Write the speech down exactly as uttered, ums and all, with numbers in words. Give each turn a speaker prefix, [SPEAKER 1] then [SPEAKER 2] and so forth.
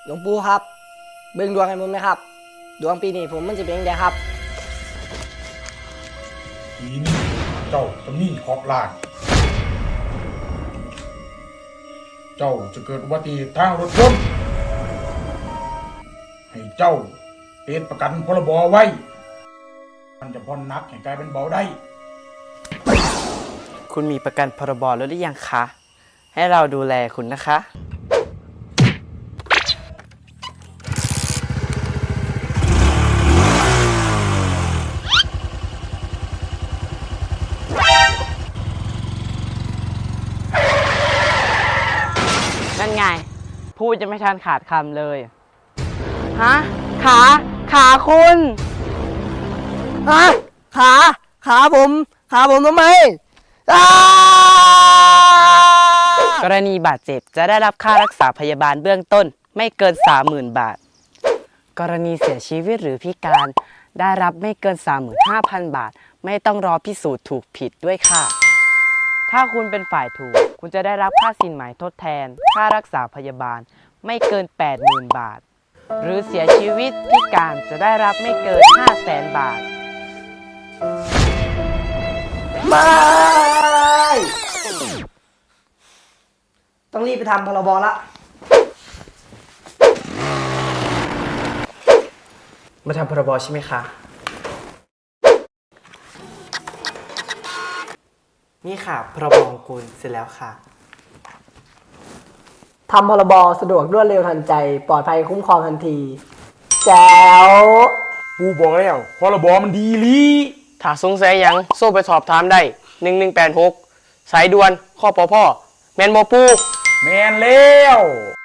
[SPEAKER 1] หลวงปู่ครับเบิ่งดวงให้ผมนะครับดวงปีนี้ผมมันจะเป็นยังไงครับ
[SPEAKER 2] ปีนี้เจ้าจะมีเคราะห์ร้ายเจ้าจะเกิดอุบัติเหตุทางรถยนต์ให้เจ้าเป็นประกันพรบไว้มันจะพ้นหนักให้กลายเป็นเบาได้
[SPEAKER 3] คุณมีประกันพรบแล้วหรือยังคะ ให้เราดูแลคุณนะคะ นั่นไง พูดจะไม่ทันขาดคำเลย ฮะ ขา ขาคุณ
[SPEAKER 1] ฮะขาขาผมขาผมทำไมอ้
[SPEAKER 3] กรณีบาดเจ็บจะได้รับค่ารักษาพยาบาลเบื้องต้นไม่เกิน สามหมื่น บาท กรณีเสียชีวิตหรือพิการได้รับไม่เกิน สามหมื่นห้าพัน บาท ไม่ต้องรอพิสูจน์ถูกผิดด้วยค่ะ ถ้าคุณเป็นฝ่ายถูกคุณจะได้รับค่าสินไหมทดแทน ค่ารักษาพยาบาลไม่เกิน แปดหมื่น บาท หรือเสียชีวิตพิการจะได้รับไม่เกิน ห้าแสน บาท
[SPEAKER 1] ไม่ต้องรีบไปทำพรบละ
[SPEAKER 3] มาทำพรบใช่ไหมคะ นี่ค่ะพรบของคุณเสร็จแล้วค่ะ
[SPEAKER 1] ทำพรบสะดวกรวดเร็วทันใจปลอดภัยคุ้มครองทันทีแจ๋ว
[SPEAKER 2] กูบอกแล้วพรบมันดีลี
[SPEAKER 3] ถ้าสงสัยยังโซ่ไปสอบถามได้หนึ่งหนึ่งแปดหกสายด่วนข้อปอพ่อแมนบอปู
[SPEAKER 2] แมนแล้ว